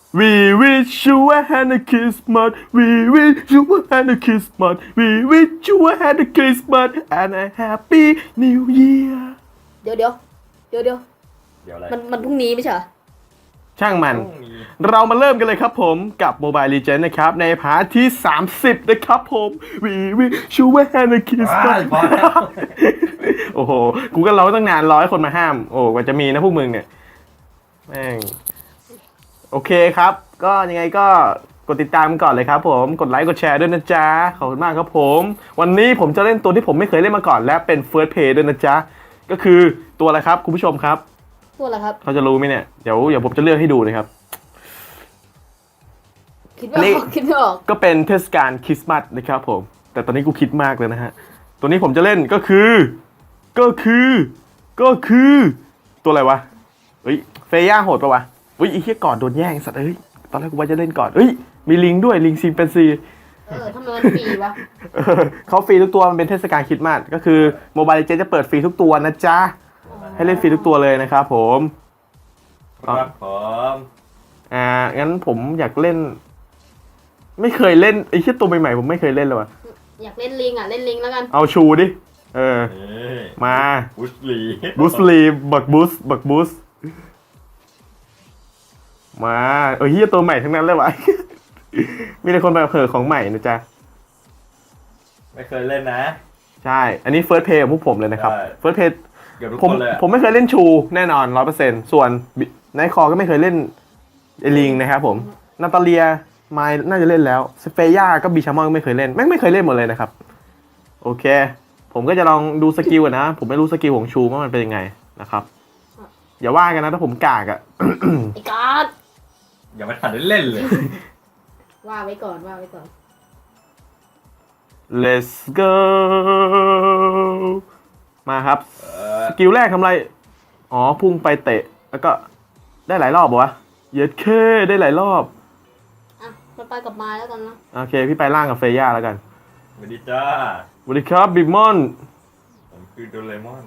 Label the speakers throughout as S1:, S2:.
S1: We wish you a happy Christmas. We wish you a happy Christmas. We wish you a happy Christmas and a happy New Year.
S2: เดี๋ยว
S3: อะไร
S2: มันพรุ่งนี้ไม่ใช่เหรอ
S1: ช่างมัน เรามาเริ่มกันเลยครับผมกับ Mobile Legends นะครับในพาร์ทที่ 30 นะครับผม We wish you a happy Christmas
S3: พอแล้ว
S1: โอ้โห กูก็ร้องตั้งนาน100 คนมาห้าม โอ้กว่าจะมีนะพวกมึงเนี่ย แม่ง โอเคครับ ก็ยังไงก็กดติดตามก่อนเลยครับผม กดไลค์ กดแชร์ด้วยนะจ๊ะ ขอบคุณมากครับผม วันนี้ผมจะเล่นตัวที่ผมไม่เคยเล่นมาก่อนและเป็น First Play ด้วยนะจ๊ะ ก็คือตัวอะไรครับคุณผู้ชมครับ
S2: พูดอะไรครับ
S1: เขาจะรู้ไหมเนี่ย เดี๋ยวผมจะเลือกให้ดูนะครับ
S2: คิดไม่ออก
S1: ก็เป็นเทศกาลคริสต์มาสนะครับผม แต่ตอนนี้กูคิดมากเลยนะฮะ ตัวนี้ผมจะเล่นก็คือตัวอะไรวะ เฮ้ยเฟย่าโหดปะวะเฮ้ยไอ้เหี้ยก่อนโดนแย่งสัตว์เอ้ย ตอนแรกกูว่าจะเล่นก่อนเฮ้ย มีลิงด้วยลิงซิมเป็นซี
S2: ทำไมมันฟรีวะ
S1: เขาฟรีทุกตัวมันเป็นเทศกาลคริสต์มาสก็คือโมบายเจจะเปิดฟรีทุกตัวนะจ๊ะ ให้เล่นฟรีทุกตัวเลยนะครับผม
S3: ครับผม
S1: งั้นผมอยากเล่น ไม่เคยเล่นไอ้เหี้ยตัวใหม่ๆผมไม่เคยเล่นเลยวะ
S2: อยากเล่นลิงอ่ะเล่นลิงแล้วกัน
S1: เอาชูดิ
S3: นี่
S1: มา
S3: บุสลี
S1: บูสลีบักบูสมาเฮียตัวใหม่ทั้งนั้นเลยวะ มีแต่คนแบบเผลอของใหม่นะจ๊ะ
S3: ไม่เคยเล่นนะ
S1: ใช่ อันนี้เฟิร์สเพย์ของพวกผมเลยนะครับ
S3: ใช่
S1: เฟิร์สเพย์
S3: เกือบทุก
S1: ผม
S3: คนเลยอะ
S1: ผมไม่เคยเล่นชูแน่นอน 100%ส่วนไนท์คอก็ไม่เคยเล่นเอลิงนะครับผมนาตาเลียไมล์น่าจะเล่นแล้วสเฟย่าก็บีชามอนก็ไม่เคยเล่นแม่งไม่เคยเล่นหมดเลยนะครับ โอเค ผมก็จะลองดูสกิลก่อนนะ ผมไม่รู้สกิลของชูว่ามันเป็นยังไงนะครับ อย่าว่ากันนะถ้าผมกากอะ
S2: ไอ้การ์ด
S3: ยังไม่ทันได้เล่นเลย
S2: ว่าไว้ก่อน
S1: Let's go มาครับ สกิลแรกทำไร อ๋อ พุ่งไปเตะ แล้วก็ได้หลายรอบเหรอวะ เย็ดเคได้หลายรอบ
S2: อ่ะมันไปกับไม้แล้วกันนะ
S1: โอเค พี่ไปล่างกับเฟย่าแล้วกัน
S3: สวัสดีจ้า
S1: สวัสดีครับบิ๊กมอน
S3: ผมคือโดเรมอน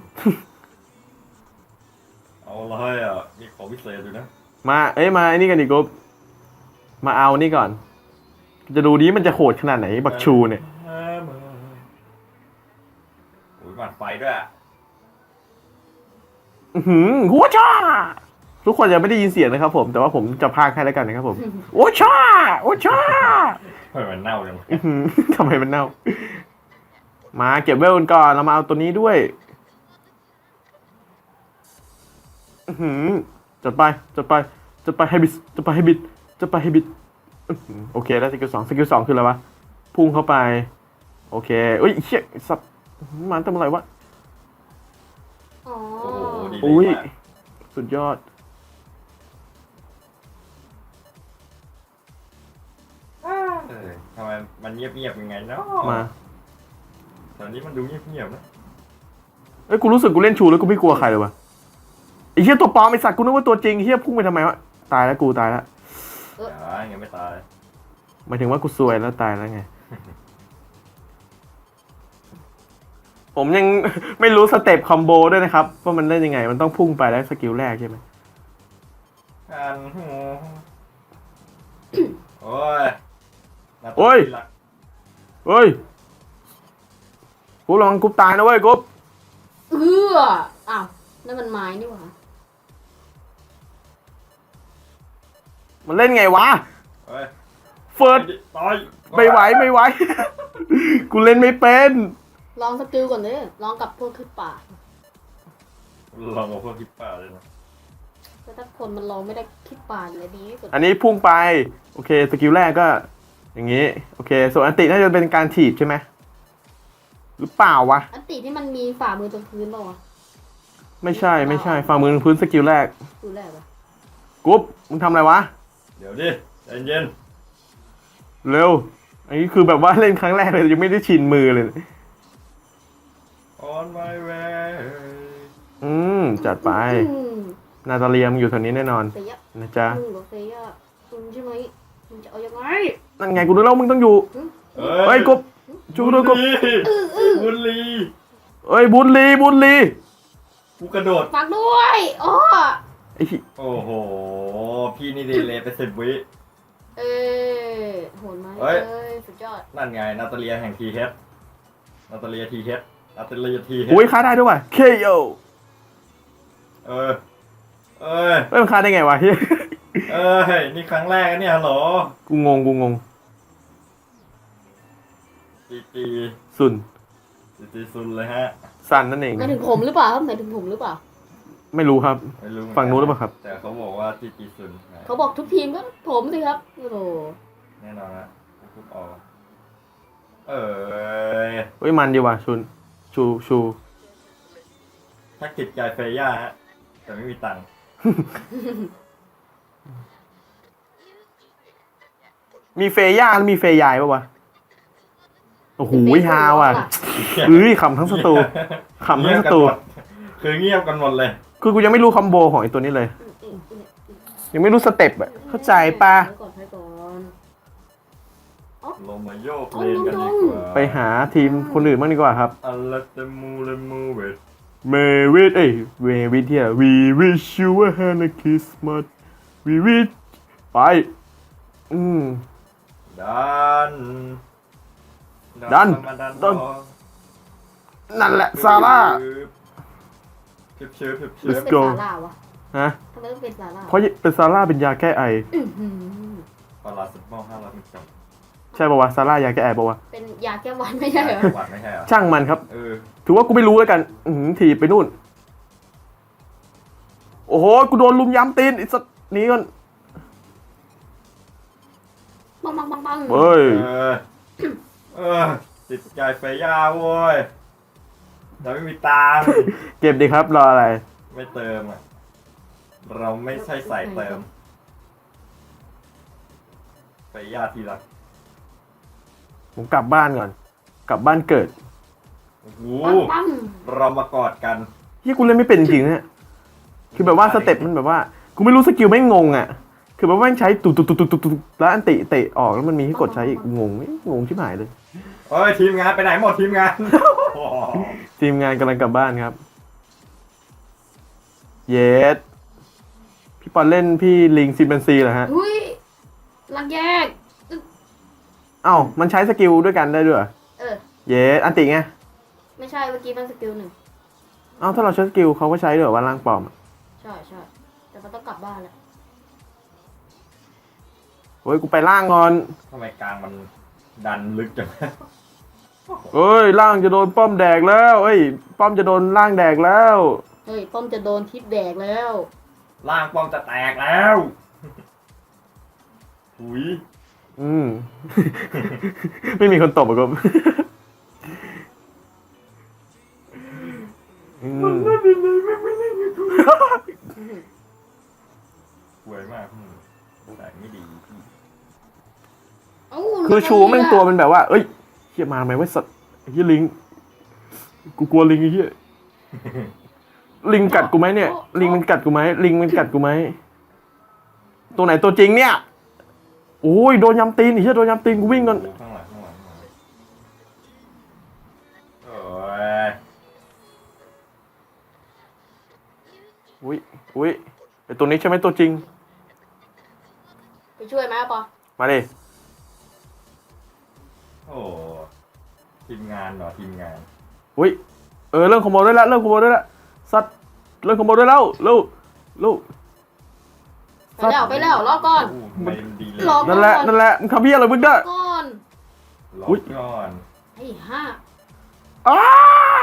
S3: เอาอะไรอ่ะ มีของพิเศษอยู่นะ
S1: มาไอ้นี่กันดิกุ๊บมาเอานี่ก่อน จะดูนี้มันจะโหดขนาดไหน บักชูเนี่ย
S3: โอ้ยหมัดไฟด้วยอะ
S1: หัวช่าทุกคนยังไม่ได้ยินเสียงนะครับผม แต่ว่าผมจะพากให้แล้วกันนะครับผมโอ้ช่าโอ้ช่า
S3: ทำไมมันเน่าจัง
S1: ทำไมมันเน่า มาเก็บเวลกันก่อน เรามาเอาตัวนี้ด้วยจัดไปให้บิดโอเคแล้วสกิลสองคืออะไรวะ พุ่งเข้าไป โอเคเอ้ยเชี่ยสัตว์มันทำอะไรวะ
S2: อ๋อ
S3: โอ้โหดี
S1: อุ้ย
S3: มาก
S1: สุดยอด
S3: ทำไมมันเงียบๆยังไงเนาะ
S1: มา
S3: ตอนนี้มันดูเงียบๆนะ
S1: เอ้ยกูรู้สึกกูเล่นชูแล้วกูไม่กลัวใครเลยวะไอ้เหี้ยตัวปลอมไอ้สัตว์กูนึกว่าตัวจริงไอ้เหี้ยพุ่งไปทำไมวะตายแล้วกูตายแล้ว
S3: ยังไม่ตาย
S1: หมายถึงว่ากูซวยแล้วตายแล้วไง ผมยัง ไม่รู้สเต็ปคอมโบด้วยนะครับว่ามันเล่นยังไง มันต้องพุ่งไปแล้วสกิลแรกใช่ไหม
S3: โอ้ย
S1: เฮ้ยกูระวังกูตายนะเว้ยกู
S2: อ้าวนั่นมันไม้นี่หว่า
S1: มันเล่นไงวะ
S3: เฮ้ย
S1: เฟิร์ส
S3: ตาย
S1: ไม่ไหว กูเล่นไม่เป็น
S2: ลองสกิลก่อนเลยลองกับพวกขึ้นป่า
S3: ลองเอาพวกคิปป้าเลยนะ
S2: แต่ถ้าคนมันลองไม่ได้ขึ้นป่าเลยดีที่สุด
S1: อันนี้พุ่งไปโอเคสกิลแรกก็ อย่างนี้โอเคส่วนอันติน่าจะเป็นการถีบใช่ไหมหรือเปล่าวะ
S2: อันติที่มันมีฝ่ามือตรงพื้นเปล่าวะ
S1: ไม่ใช่ฝ่ามือพื้นสกิลแรก
S2: ดูแรกวะ
S1: กุ๊บมึงทำอะไรวะ
S3: เดี๋ยวดิใจเย็น
S1: เร็วอันนี้คือแบบว่าเล่นครั้งแรกเลยยังไม่ได้ชินมือเลย
S3: on my way
S1: จัดไปนาตาเลียมอยู่แถวนี้แน่นอน
S2: เฟีย
S1: นะจ๊ะ
S2: มึงกับเฟียมึงใช่ไหมมึงจะเอายังไง
S1: นั่นไงกูรู้แล้วมึงต้องอยู่เฮ้ยกุ๊บชูด้วยกุ๊บ
S3: บุญลี
S1: เฮ้ยบุญลี
S3: กูกระโดด
S2: ฝากด้วยอ๋อ
S1: อ้ที่
S3: โอ้โห พี่นี่ดีเลยไป10 วิ
S2: เออโหดไหม
S3: เฮ้ย
S2: สุดยอด
S3: นั่นไงนาตาเลียแห่งทีเฮดนาตาเลียทีเฮดนาตาเลียทีเฮด
S1: อุ้ยฆ่าได้ด้วยว่ะ KO
S3: เออ เอ้ย
S1: เอ้ยมันฆ่าได้ไงวะเฮ้ย
S3: เอ้ย นี่ครั้งแรกนะเนี่ยฮัลโหล
S1: กูงง
S3: จีจี
S1: สุน
S3: จีจีซุนเลยฮะ
S1: สันนั่นเอง
S2: หมายถึงผมหรือเปล่าครับหมายถึงผมหรือเปล่า
S1: ไม่รู้ครับ
S3: ไม่รู้เหมือกั
S1: ฝั่งนู้นหรือเปล่าครับ
S3: แต่เขาบอกว่าจีจีซุน
S2: เขาบอกทุกทีมก็ผมสิครับโอ้โห
S3: แน่นอนนะทุกออกเอย
S1: เฮ้ยมันดีว่ะชุนชู
S3: ถ้าจิตใจเฟย่าฮะ แต่ไม่มีตังค์
S1: มีเฟย่าแล้วมีเฟยายปะวะ โอ้โหฮาว่ะเอ้ยขำทั้งสตูขำทั้งสตู
S3: คือเงียบกันหมดเลย
S1: คือกูยังไม่รู้คอมโบของไอ้ตัวนี้เลย ยังไม่รู้สเต็ปอะเข้าใจปะ
S2: ไปก่อน
S3: ลงมาโยกเลนกันดีกว่า
S1: ไปหาทีมคนอื่นบ้างดีกว่าครับ
S3: อัลลัตมูเลมูเวท
S1: เมวิทเววิทเฮีย We wish you a happy Christmas We wish ไป
S3: ดัน
S1: ดัน
S3: มาดัน
S1: ดัน นั่นแหละซาร่า
S3: เชิบ
S2: ทำไม
S1: Let's
S2: ต้องเป็น
S1: go
S2: ซาร่าวะ
S1: ฮะ
S2: ทำไมต้องเป็นซาร่า
S1: เพราะเป็นซาร่าเป็นยาแก้ไอ
S2: อื้อหือ
S3: ปลาสมอ500มิลลิกรัม
S1: ใช่ปะวะซาร่ายาแก้ไอปะวะ
S2: เป็นยาแก้หวัดไม่ใช่เหรอ
S3: หวานไม่ใช่เหรอ
S1: ช่างมันครับ
S3: เออ
S1: ถือว่ากูไม่รู้แล้วกัน ถีบไปนู่น โอ้โห กูโดนลุมย้ำตีนไอ้สัตว์หนี้ก่อน
S2: ปัง
S1: เฮ้ย
S3: เออติดใจไฟย่าโว้ยแต่ไม่มีตังค์
S1: เก็บดีครับ รออะไร
S3: ไม่เติมอ่ะ เราไม่ใช่ใส่เติมไฟย่าทีละ
S1: ผมกลับบ้านก่อน กลับบ้านเกิด
S3: โอ้โห
S2: ปัง
S3: เรามากอดกัน
S1: ที่กูเล่นไม่เป็นจริงๆเนี่ยคือแบบว่าสเต็ปมันแบบว่า กูไม่รู้สกิลไม่งงอ่ะ คือแบบว่าแม่งใช้ตุกแล้วอันติเตะออกแล้วมันมีให้กดใช้อีกงงชิบหายเลย
S3: เฮ้ยทีมงานไปไหนหมดทีมงาน
S1: ทีมงานกำลังกลับบ้านครับ เยสพี่ปอนเล่นพี่ลิงซิมเบนซีเหรอฮะ
S2: อุ้ยลังแยก
S1: เอ้ามันใช้สกิลด้วยกันได้ด้วยเหรอ
S2: เออ
S1: เยสอันติไง
S2: ไม่ใช่เมื่อกี้มันสกิลหนึ่ง
S1: เอ้าถ้าเราใช้สกิลเขาก็ใช้ด้วยเหรอว่าล่างปลอมอะ
S2: ใช่แต่มันต้องกลับบ้านแล้ว
S1: เฮ้ยกูไปล่างก่อน
S3: ทำไมกลางมันดันลึกจัง
S1: เฮ้ยล่างจะโดนป้อมแดกแล้วเอ้ยป้อมจะโดนล่างแดกแล้ว
S2: เฮ้ยป้อมจะโดนทิปแดกแล้ว
S3: ล่างป้อมจะแตกแล้วหุย
S1: ไม่มีคนตบอ่ะครับ
S3: ป่วยมากแต่ไม่ดี
S2: เอ้า
S1: คือชูแม่งตัวมันแบบว่า เอ้ยเฮียมาไหมวะสัตว์ไอ้เฮียลิง กูกลัวลิงไอ้เฮียลิงกัดกูไหมเนี่ย ลิงมันกัดกูไหมลิงมันกัดกูไหมตัวไหนตัวจริงเนี่ยโอ้ยโดนยำตีนไอ้เฮียโดนยำตีนกูวิ่งก่อน
S3: ข้างหลังโอ้ย
S1: อุ้ยไอตัวนี้ใช่ไหมตัวจริง
S2: ไปช่วยไหมปอ
S1: มาดิ
S3: โอ้ทีมงานเหรอทีมงาน
S1: อุ้ยเริ่มขโมยได้แล้วสัตว์เริ่มขโมยได้แล้วเร็ว
S2: ไปแล้วรอก่อน
S3: ไม่ดีเลย
S2: รอ
S1: นั่นแหละมึงทำเพี้ยอะไรมึงเนี่ย
S2: ก่อน
S3: รอก่อน
S2: ไอ้ห้า
S1: อ้า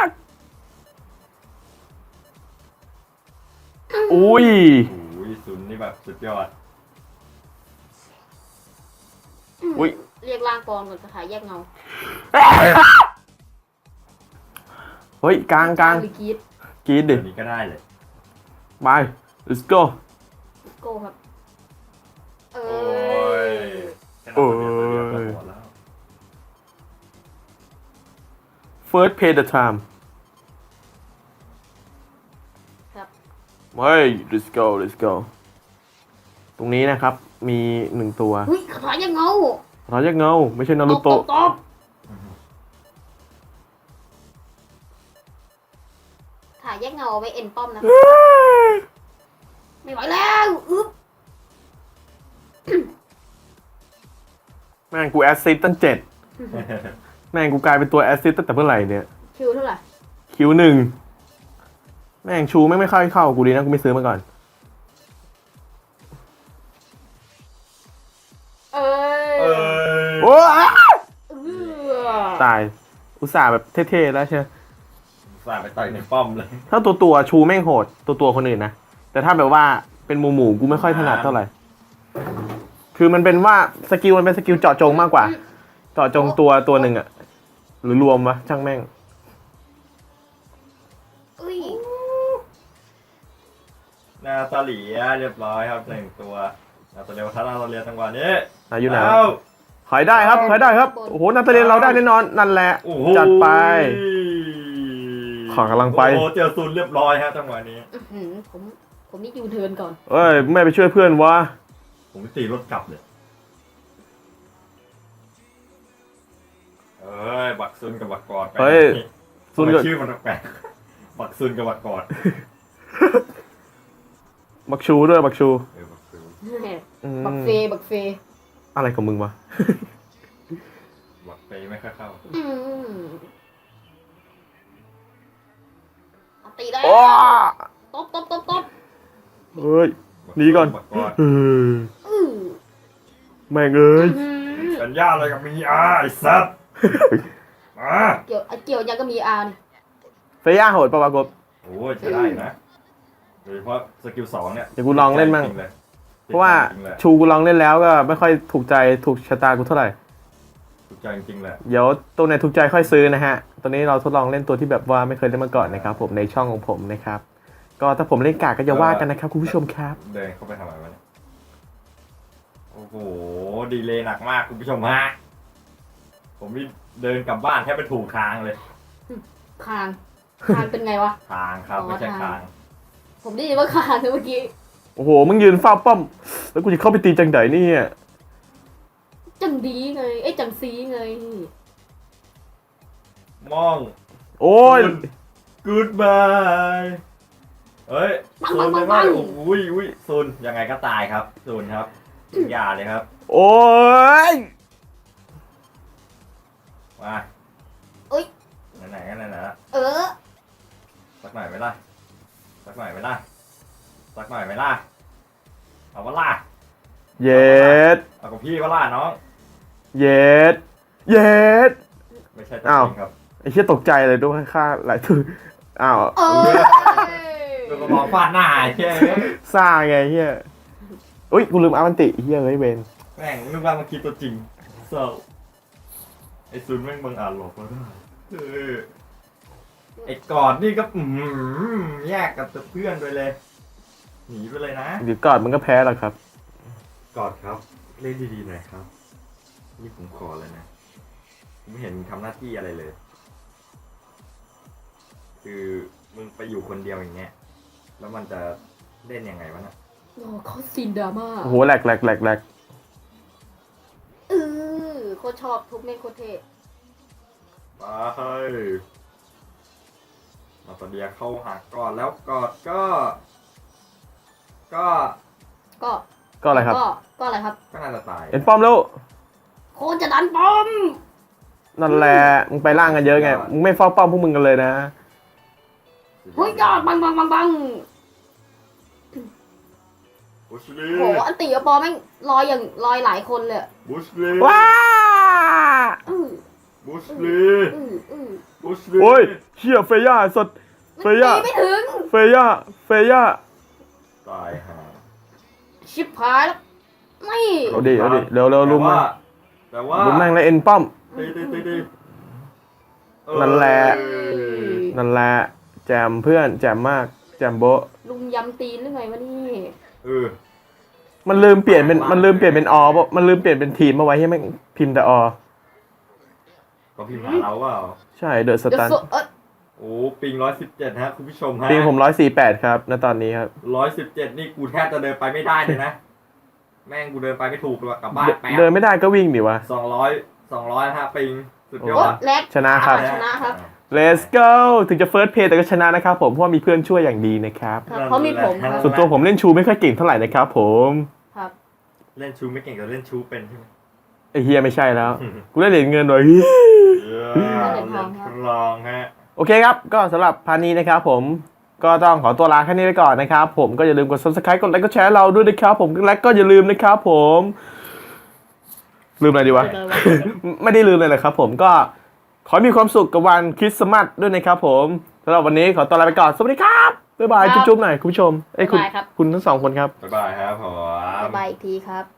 S1: อุ้ย
S3: โอ้ยซุนนี่แบบสุดยอด
S1: อุ้ย
S2: เรียกร่างปลอมก่อนจะขายแยกเงา
S1: เฮ้ยกลาง
S2: หรือกรีด
S1: กรีดดิ
S3: อันนี้ก็ได้เลย
S1: ไป let's go
S2: โก้ครับ เอ
S3: โอ้
S2: อย
S3: แค่นั้นตัวเดียวก็หมดแล้ว
S1: first pay the time
S2: ครับ
S1: เฮ้ย let's go ตรงนี้นะครับ มีหนึ่งตัว
S2: เฮ้ยขายแยกเงา
S1: เราแยกเงา ไม่ใช่นารูโตะ
S2: ตบขายแยกเงาเอาไว้เอ็นป้อมนะไม่ไหวแล้วอึ๊บ
S1: แม่งกูแอสซิสตั้ง7แม่งกูกลายเป็นตัวแอสซิสตั้งแต่เมื่อไหร่เนี่ย
S2: คิวเท่าไหร่
S1: คิว1แม่งชูแม่งไม่ค่อยเข้ากูดีนะกูไม่ซื้อมาก่อน
S2: เอ้
S3: เอย อ
S1: โอ้
S2: เออ
S1: ตายอุตส่าห์แบบเท่ๆแล้วใช่ไหม
S3: สาดไปต่อยในป้อมเลย
S1: ถ้าตัวชูแม่งโหดตัวคนอื่นนะแต่ถ้าแบบว่าเป็นหมู่กูไม่ค่อยถนัดเท่าไหร่คือมันเป็นว่าสกิลมันเป็นสกิลเจาะจงมากกว่าเจาะจงตัวหนึ่งอะหรือรวมวะช่างแม่ง
S2: อุ้ย
S3: นาตาเลียเรียบร้อยครับ1ตัวนาตาเลียทัศนาตาเลียจังหวะนี้
S1: อยู่ไหน
S3: เอ้า
S1: ขายได้ครับขายได้ครับโอ้โหนาตาเลียนเราได้แน่นอนนั่นแหละ
S3: โอ้โห
S1: จัดไป ขอกำลังไป
S3: โอ้โหเจอซูนเรียบร้อยฮะจังหวะนี้
S2: อื้อหือผมนี่ยูเทิร์นก่อน
S1: เอ้ยไม่ไปช่วยเพื่อนวะ
S3: ผมตีรถกลับเลยเอ้ยบักซุนกับบักกอดไป
S1: เฮ้ยซุ
S3: ซุ
S1: น
S3: น
S1: ก็
S3: ชื่อมันแปลกๆบักซุนกับบักกอด
S1: บักชูด้วยบักชู
S3: บักซุน
S1: อืม
S2: บักเฟบักเฟ
S1: อะไรของมึงวะ
S3: บักไปไม่ค่อยเข้า
S2: อืมเอาตีได้
S1: โอ้
S2: ตบ
S1: เฮ้ย หนีก่อน
S3: บักกอด
S1: เฮ้ย
S2: อื้อ
S1: แม่งเอ้ย
S2: อื้อ
S3: สัญญาอะไรกับมีอาไอ้สัตว์มา
S2: เกี่ยวยังก็มีอาร์นี่
S1: เฟย่าโหดปะวะกบ
S3: โอ้ยใช้ได้นะโดยเฉพาะสกิล2เนี่ย
S1: เดี๋ยวกูลองเล่นมั่ง
S3: จริๆย
S1: เพราะว่า
S3: จริงๆเลย
S1: ชูกูลองเล่นแล้วก็ไม่ค่อยถูกใจถูกชะตากูเท่าไหร่
S3: ถูกใจจริงๆเลย
S1: เดี๋ยวตัวไหนถูกใจค่อยซื้อนะฮะ ตอนนี้เราทดลองเล่นตัวที่แบบว่าไม่เคยเล่นมาก่อนนะครับผมในช่องของผมนะครับ ก็ถ้าผมเล่นกากก็อย่าว่ากันนะครับคุณผู้ชมครับ
S3: เดินเข้าไปทำอะไรวะเนี่ยโอ้โหดีเลยหนักมากคุณผู้ชมฮะผมนี่เดินกลับบ้านแทบไปถูกทางเลย
S2: คางเป็นไงวะ
S3: ทางครับ
S2: อ๋อ
S3: ไม่ใช่
S2: ทาง
S3: ทาง
S2: ผมได้ยินว่าคางนะเมื่อกี้
S1: โอ้โห มึงยืนเฝ้าป้อม แล้วกูจะเข้าไปตีจังไดเนี่ย
S2: จังดีไงไอ้ยจังซีไง
S3: มอง
S1: โอ้ย
S3: goodbye เฮ้ย
S2: ปัง
S3: โซน
S2: ปั
S3: ยัง ง
S2: ปั
S3: ไง
S2: ง
S3: อุ้ยโซนยังไงก็ตายครับโซนครับอย่าเลยครับ
S1: โอ้ย
S3: มา
S2: เอ้ย
S3: ไหนๆก็ไหนๆละ
S2: เออ
S3: สักหน่อยไหมล่ะสักหน่อยไหมล่ะสักหน่อยไหมล่ะเอาวะล่ะ
S1: เย็ด
S3: เอากับพี่วะล่ะน้อง
S1: เย็ด เย็ด
S3: ไม่ใช่ตัว
S1: อ้าว
S3: จริงครับ
S1: ไอ้เชี่ยตกใจเลยด้วยค่าหลายตัวอ้าว
S2: เอ้ย
S3: โดนกระบอกฟาดหน้าไอ้เฮ้ย
S1: ซ่าไงเฮียอุ้ย กูลืมอามันติเฮียเฮ้ยเวน
S3: แม่งนึกว่ามันคิดตัวจริงเศร้าไอ้ซุนแม่งบังอาจหลอกเราได้เออไอ้กอดนี่ก็แยกกับเพื่อนไปเลย หนีไปเลยนะ
S1: เดี๋ยวก่อนมันก็แพ้หรอกครับ
S3: กอดครับ เล่นดีๆหน่อยครับ นี่ผมขอเลยนะผมไม่เห็นมึงทำหน้าที่อะไรเลย คือมึงไปอยู่คนเดียวอย่างเงี้ย แล้วมันจะเล่นยังไงวะน่ะ
S2: โอ้เขาซีนดราม่า
S1: โอ้โหแหลกแหลกแหลกแหลก
S2: เออโคตรชอบทุกเมฆโคตรเท่
S3: มาเฮ้ยมาตอนเดียเข้าหากอดแล้วกอดก็
S2: ก็
S1: ก็อะไรครับ
S2: ก็อะไรครับ
S3: ก็น่าจะตาย
S1: เอ็นป้อมแล้ว
S2: โคตรจะดันปอม
S1: นั่นแหละ มึงไปล่างกันเยอะไง มึงไม่เฝ้าป้อมพวกมึงกันเลยนะ
S2: เฮ้ยยอดบัง
S3: บุชลี
S2: โหอันตีกับปอแม่งลอยอย่างลอยหลายคนเลยอะ
S3: บุชลี
S1: ว้า
S2: อื้อ
S3: บุชลี
S2: อื้อ
S3: บุชลี
S1: โอ้ยเชี่ยเฟย่าสด เฟย่า
S2: มันตีไม่ถึง
S1: เฟย่า
S3: ตายห่า
S2: ชิบหายแล้วไม่
S1: เอาดิเร็วลุมมัน
S3: แต่ว่า
S1: ลุมแม่งแล้วเอ็นป้อม
S3: ตี
S1: นั่นแหละ
S3: เออ
S1: นั่นแหละ แจมเพื่อน แจมมาก แจมโบะ
S2: ลุมยำตีนหรือไงวะนี่
S3: เออ
S1: มันลืมเปลี่ยนเป็นออปะมันลืมเปลี่ยนเป็นทีมมาไว้ให้แม่งพิมพ์แต่อ
S3: ก็พิมพ์หาเราเปล่า
S1: ใช่เดอะส
S2: เดี๋ยว
S1: ตัน
S3: โอ้ปิง117ฮะคุณผู้ชมฮะ
S1: ปีผม148ครับณตอนนี้ครับ
S3: 117นี่กูแทบจะเดินไปไม่ได้เลยนะ แม่งกูเดินไปไม่ถูกเลยกลับบ้านแป๊
S1: เดินไม่ได้ก็วิ่งดิวะ
S3: 200ฮะปิงสุดยอ
S2: โอ๊
S3: ด
S2: แลก
S1: ชนะครับ
S2: ชนะครับ
S1: let's go ถึงจะ first play แต่ก็ชนะนะครับผมเพราะว่ามีเพื่อนช่วยอย่างดีนะครับ
S2: ครับเพราะมีผมครับ
S1: ส่วนตัวผมเล่นชูไม่ค่อยเก่งเท่าไหร่นะครับผม
S2: ครับ
S3: เล่นชูไม่เก่งแต่เล่นชูเป็นใช่ไหม
S1: ไอ้เฮียไม่ใช่แล้ว กูได้เหรียญเงินหน่อย
S3: เล่นทดลองฮะ
S1: โอเคครับ ก็สำหรับพาร์ทนี้นะครับผมก็ต้องขอตัวลาแค่นี้ไปก่อนนะครับผมก็อย่าลืมกด subscribe กดไลค์กดแชร์เราด้วยนะครับผมและก็อย่าลืมนะครับผมลืมอะไรดีวะ ไม่ได้ลืมเลยแหละครับผมก็ขอให้มีความสุขกับวันคริสต์มาสด้วยนะครับผมสำหรับวันนี้ขอตัวลาไปก่อนสวัสดีครับบ๊ายบายจุ๊บๆหน่อยคุณผู้ชมเอ้ยคุณ
S2: บ๊ายบายครับ
S1: คุณทั้งสองคนครับ
S3: บ๊ายบายครับผม
S2: บ๊ายบายอีกทีครับ